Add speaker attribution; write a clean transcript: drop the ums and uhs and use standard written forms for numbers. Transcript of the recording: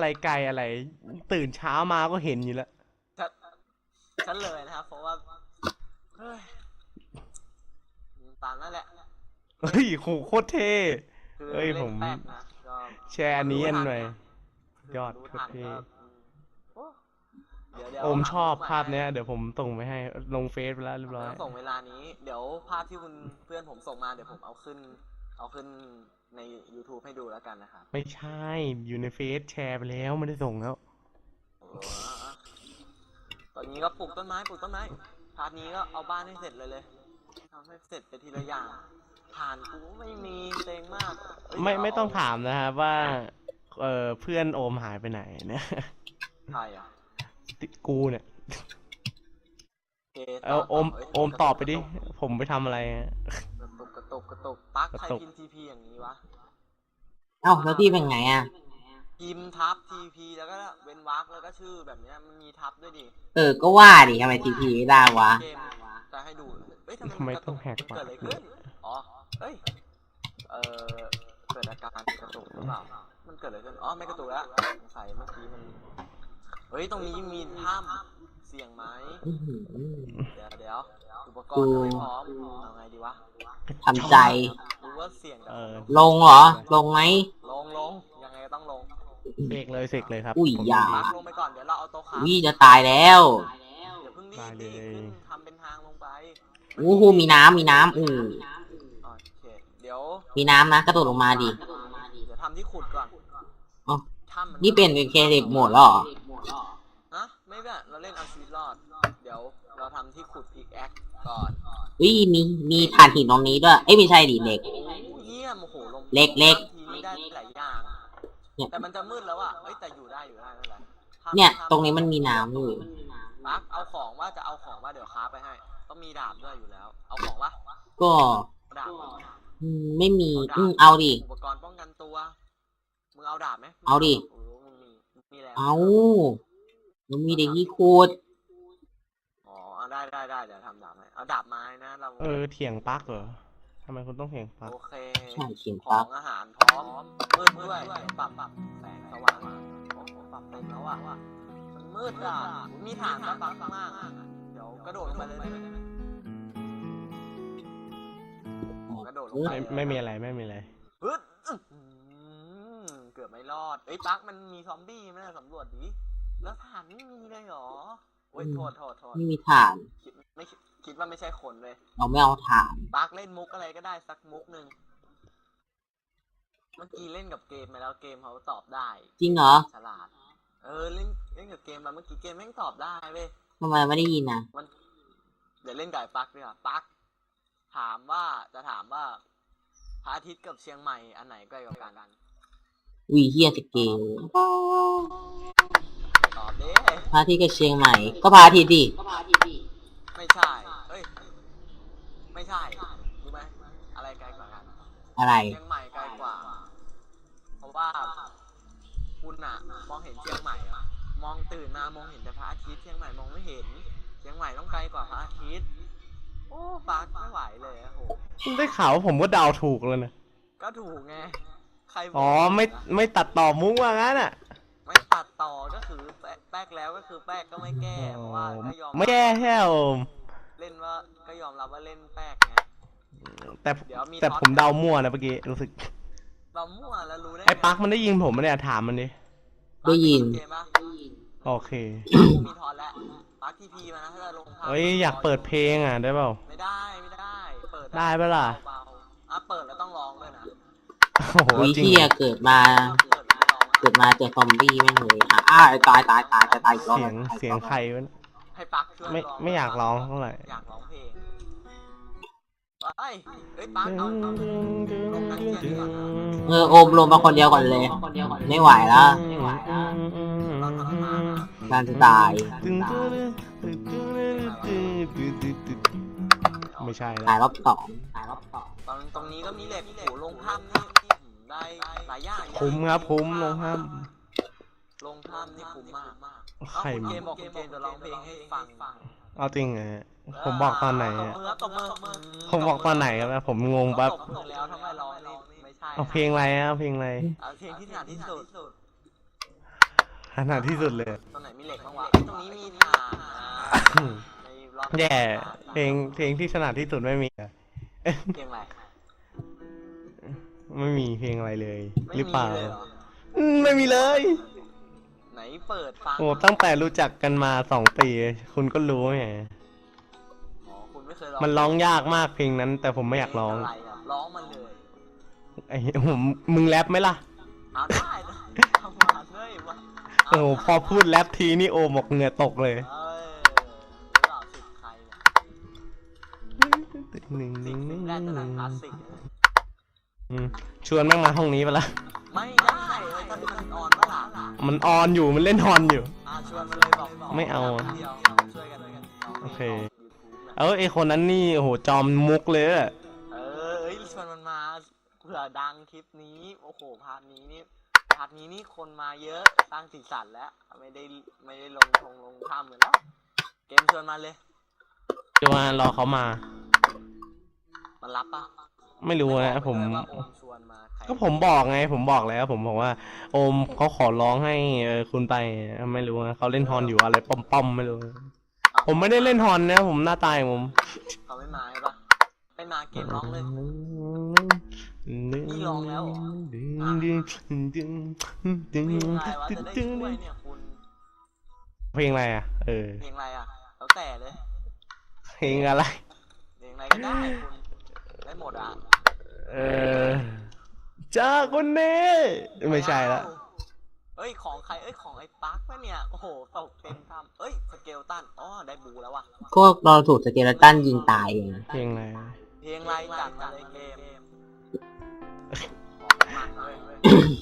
Speaker 1: อะไรไกลอะไรตื่นเช้ามาก็เห็นอยู่แล้ว
Speaker 2: ฉันเลยนะครับเพราะว่าเฮ้ยตามนั่นแหละ
Speaker 1: เฮ้ยโหโคตรเท่
Speaker 2: คือ
Speaker 1: เฮ้ยผม
Speaker 2: เล่นแป๊กนะก็
Speaker 1: แชร์อันนี้อันหน่อย
Speaker 2: คื
Speaker 1: ยอด
Speaker 2: รู้
Speaker 1: โคตร
Speaker 2: ทัน
Speaker 1: เท่
Speaker 2: โอ้เดี๋ยว
Speaker 1: โอมชอบ
Speaker 2: หา
Speaker 1: ภาพเนี้ยเดี๋ยวผมส่งไปให้ลงเฟซไปแล้วเรียบร้อย
Speaker 2: ต้องส่งเวลานี้เดี๋ยวภาพที่คุณเพื่อนผมส่งมาเดี๋ยวผมเอาขึ้นใน YouTube ให้ดูแล้วกันนะครับ
Speaker 1: ไม่ใช่อยู่ในเฟซแชร์ไปแล้วไม่ได้ส่งแล้ว
Speaker 2: โอ้ตอนนี้ก็ปลูกต้นไม้พาร์ทนี้ก็เอาบ้านให้เสร็จเลยทำให้เสร็จไปทีละอย่างผ่านกูไม่มีเซ็งมาก
Speaker 1: ไม่ต้องถามนะครับว่าเพื่อนโอมหายไปไหนเนี่ย
Speaker 2: ใครอ่ะ
Speaker 1: กูเนี่ย
Speaker 2: เอา
Speaker 1: โอมตอบไปดิผมไปทำอะไร
Speaker 2: กระตุกปักใครพิมพ์ทีพีอย่างนี้วะ
Speaker 3: เอ้าแล้วพี่เป็นไงอ่ะ
Speaker 2: พิมพ์ทับทีพีแล้วก็เว้นวรรคแล้วก็ชื่อแบบนี้มันมีทับด้วยดิ
Speaker 3: ก็ว่าดิทำไมทีพีไม่ได้วะ
Speaker 2: เกมจะให้ดูเฮ้ยทำ
Speaker 1: ทำไม
Speaker 2: ไมกระตุ
Speaker 1: ต้องแหกปาก
Speaker 2: เกิดอะไรขึ้นอ๋อเฮ้ยเกิดอาการกระตุกหรือเปล่ามันเกิดอะไรขึ้นอ๋อไม่กระตุกแล้วสงสัยเมื่อกี้มันเฮ้ยตรงนี้มีถ้ำเสี่ยงไหมเดี๋ยวอุปกรณ์ยังไม่พร้อมเอาไงดีวะ
Speaker 3: ทำใจ
Speaker 2: รู้ว่าเสี่ยง
Speaker 3: ลงเหรอลงไหม
Speaker 2: ลงยังไงก็ต้องลง
Speaker 1: เสกเลยครับ
Speaker 3: อุ้ยอย่า
Speaker 2: ลงไปก่อนเดี๋ยวเราเอาโต๊ะค้า
Speaker 3: วิ่จะตายแล้ว
Speaker 2: อย่าเพิ่งรีบขึ้นทำเป็นทางลงไป
Speaker 3: อู้หูมีน้ำโอ
Speaker 2: เคเดี๋ยว
Speaker 3: มีน้ำนะกระโดดลงมาดิ
Speaker 2: เดี๋ยวทำที่ขุดก่อน
Speaker 3: อ๋อนี่เป็นเคเด็กหมดแล้วเหรอ
Speaker 2: ฮะไม่แบบเราเล่นเอาชีวิตรอดเดี๋ยวเราทำที่ขุดพิกแอคก่อน
Speaker 3: มีถ่านหินตรงนี้ด้วยไม่ใช่ดิเหล็ก
Speaker 2: เยี่ยมโอ้โหลง
Speaker 3: เล็ก
Speaker 2: ทีได้หลายอย่างแต่มันจะมืดแล้วอ่ะแต่อยู่ได้นั่นแหละ
Speaker 3: เนี่ยตรงนี้มันมีน้ำอยู่
Speaker 2: ปักเอาของว่าจะเอาของว่าเดี๋ยวค้าไปให้ต้องมีดาบด้วยอยู่แล้วเอาของวะ
Speaker 3: ก็
Speaker 2: ดาบ
Speaker 3: ไม่มีเอาดิ
Speaker 2: อุปกรณ์ป้องกันตัวมึงเอาดาบไหม
Speaker 3: เอาดิ
Speaker 2: มีแล้ว
Speaker 3: เอามันมีเด็กยี่คูด
Speaker 2: อ๋อได้เดี๋ยวทำดาบให้เอาดาบไม้นะเรา
Speaker 1: เถียงปักเหรอทำไมคุณต้องเถียงปัก
Speaker 2: โอเค
Speaker 3: ใช่เถียง
Speaker 2: ปักของอาหารพร้อมมืดด้วยปรับแสงสว่างโอ้โหปรับเต็มแล้วอ่ะมันมืดอ่ะมีฐานปักข้างล่างเดี๋ยวกระโดดลงไปเลยกระโดดลงไป
Speaker 1: ไม่มีอะไร
Speaker 2: ฮึดเกือบไม่รอดปักมันมีซอมบี้ไหมสำรวจดิแล้วฐานไม่มีเลยหรอโอ้ยโทษ
Speaker 3: ไม่มีฐาน
Speaker 2: คิดว่าไม่ใช่คนเลย
Speaker 3: เราไม่เอาฐาน
Speaker 2: ปักเล่นมุกอะไรก็ได้สักมุกหนึ่งเมื่อกี้เล่นกับเกมมาแล้วเกมเขาตอบได้
Speaker 3: จริงเหรอ
Speaker 2: ฉลาดเล่นกับเกมมาเมื่อกี้เกมแม่งตอบได้เว้ย
Speaker 3: ทำไมไม่ได้ยินนะ
Speaker 2: เดี๋ยวเล่นกับปักดีกว่าปักถามว่าพระอาทิตย์กับเชียงใหม่อันไหนใกล้กว่ากัน
Speaker 3: เฮียสเกล
Speaker 2: ตอบดิ
Speaker 3: พระอาทิตย์กับเชียงใหม่ก็พระอาทิตย์ดิ
Speaker 2: ไม่ใช่ไม่ใช่รู้ไหมอะไรไกลกว่ากัน
Speaker 3: อะไร
Speaker 2: เชียงใหม่ไกลกว่าเพราะว่าคุณอะมองเห็นเชียงใหม่อะมองตื่นมามองเห็นแต่พระอาทิตย์เชียงใหม่มองไม่เห็นเชียงใหม่ต้องไกลกว่าพระอาทิตย์โอ้ปักไม่ไหวเลยโห
Speaker 1: ได้ข่าวผมก็เดาถูกแล้วนะ
Speaker 2: ก็ถูกไงใคร
Speaker 1: ไม่ตัดต่อมุ้งว่างั้นอ่ะ
Speaker 2: ไม่ตัดต่อก็คือแป๊กแล้วก็คือแป๊กก็ไม่แก้เพราะว่าก็ยอม
Speaker 1: ไม่แก้แค่
Speaker 2: เล่นว่าก็ยอมรับว่าเล่นแป๊กไง
Speaker 1: แต่ผมเดามั่วนะเมื่อกี้รู้สึก
Speaker 2: เดามั่วแล้วรู้ได้
Speaker 1: ไอ้ปักมันได้ยินผมเนี่ยถามมันดิ
Speaker 3: ได้ยิน
Speaker 1: โอเค
Speaker 2: มีทอนแล้วปักทีพีมานะถ้าจะลง
Speaker 1: อยากเปิดเพลงอ่ะได้เปล่า
Speaker 2: ไม่ได้เปิด
Speaker 1: ได้เปล่า
Speaker 2: เปิดแล้วต้องร้องด้วยนะ
Speaker 3: เฮียเกิดมาเจอซอมบี้ไม่เลยตายอีกรอบ
Speaker 1: เสียงใครวะ
Speaker 2: ให้ปักช่วย
Speaker 1: ไม่อยากร้องเท่าไหร่
Speaker 2: อยากร้องเพลงปักเอาลงนักเรียนก่อน
Speaker 3: โอมลงมาคนเดียวก่อนเลยไม่ไหวแล้วการจะตาย
Speaker 1: ไม่ใช่
Speaker 3: ตายรอบสอง
Speaker 2: ตรงนี้ก็มีเหล็กโหลงถ้ำนี่ได้หลายอย่าง
Speaker 1: คุ้มครับคุ้มลงถ้
Speaker 2: ำนี่คุ้มมาก
Speaker 1: ใคร
Speaker 2: เกมบอกเกมจะร้องเพลงให้ฟัง
Speaker 1: เอาจริงไงผมบอกตอนไหนผมบอกตอนไหนครับผมงงปั๊บ
Speaker 2: แล้วทำไมร้องไม่ใช่
Speaker 1: เอาเพลงอะไรเอาเพลงอะไร
Speaker 2: เอาเพลงที่ถนัดที่สุด
Speaker 1: ขนาดที่สุดเลย
Speaker 2: ตรงไหนมีเหล็กบ้างวะเอ้ยตรงนี้มีถ่านนะในรอบ
Speaker 1: แย่เพลงที่ถนัดที่สุดไม่มีอะ
Speaker 2: เพลงอะไร
Speaker 1: ไม่มีเพลงอะไรเลย
Speaker 2: ไม่
Speaker 1: หรือ
Speaker 2: มี
Speaker 1: เปล่า
Speaker 2: เลยเหรอ
Speaker 1: ไม่มีเลย
Speaker 2: ไหนเปิดฟัง
Speaker 1: โอ้ตั้งแต่รู้จักกันมา2 ปี คุณก็รู้ไง
Speaker 2: อ๋อคุณไม่เคยร้อง
Speaker 1: มันร้องยากมากเพลงนั้น แต่ผมไม่อยากร้อง
Speaker 2: เพละไะร้องมันเลย
Speaker 1: ไอ้มึงแรปไหมล่ะ
Speaker 2: เอาได้นะทำมาเลยวะ
Speaker 1: โอ้โหพอพูดแรปทีนี่โอหมกเหงื่อตกเลย
Speaker 2: เอ้ยรู้เปล่าสิทธิ์ใครเนี่ยสิทธิ์แรกจะหนังคลาสสิกเลย
Speaker 1: ชวนแม่งมาห้องนี้ไปละ
Speaker 2: ไม่ได้เลยถ้ามันออนเมื่อไหร่
Speaker 1: มันออนอยู่มันเล่นฮอนอยู่
Speaker 2: ชวนมันเลยบอก
Speaker 1: ไม่เอา
Speaker 2: เดียวช่วยกันเลยกัน
Speaker 1: โอเค
Speaker 2: อา
Speaker 1: ไอ้คนนั้นนี่โอ้โหจอมมุกเลยอะ
Speaker 2: เอ้ยชวนมันมาเผื่อดังคลิปนี้โอ้โหพาร์ทนี้นี่คนมาเยอะสร้างสีสันแล้วไม่ได้ลงถ้ำเลยแล้วเกมชวนมาเลย
Speaker 1: จะมารอเขามา
Speaker 2: มันรับปะ
Speaker 1: ไม่รู้นะผม
Speaker 2: ไบอกเลยว่าโอมชวนมาใคร
Speaker 1: ก็ผมบอกไง ผมบอกแล้ว ผมบอกว่า โอมเขาขอร้องให้คุณไปไม่รู้นะเขาเล่นฮอนอยู่อะไรป้อมๆไม่รู้ ผมไม่ได้เล่นฮอนนะผมหน้าตายผม
Speaker 2: เขาไม่มาใช่ปะไม่มาเกมร้องเลย นี่ร้องแล้วเหรอ เพลงอะไรวะจะได้ช่วยเนี่ยคุณ
Speaker 1: เพลงอะไรอ่ะ
Speaker 2: เพลงอะไรอ่ะแล้วแต่เลย
Speaker 1: เพลงอะไร
Speaker 2: เพลงอะไรก็ได้คุณได้หมดอ่ะ
Speaker 1: จากวันนี้ไม่ใช่ละ
Speaker 2: เอ้ยของใครของไอ้ปักปะเนี่ยโอ้โหตกเต็มทำสเกลตันได้บูแล้วว่ะ
Speaker 3: พวกเราถูกสเกเลตันยิงตายเอง
Speaker 1: เพลงอะไร
Speaker 2: เพลงอะไรจัดมาเลยเกมของมันเลย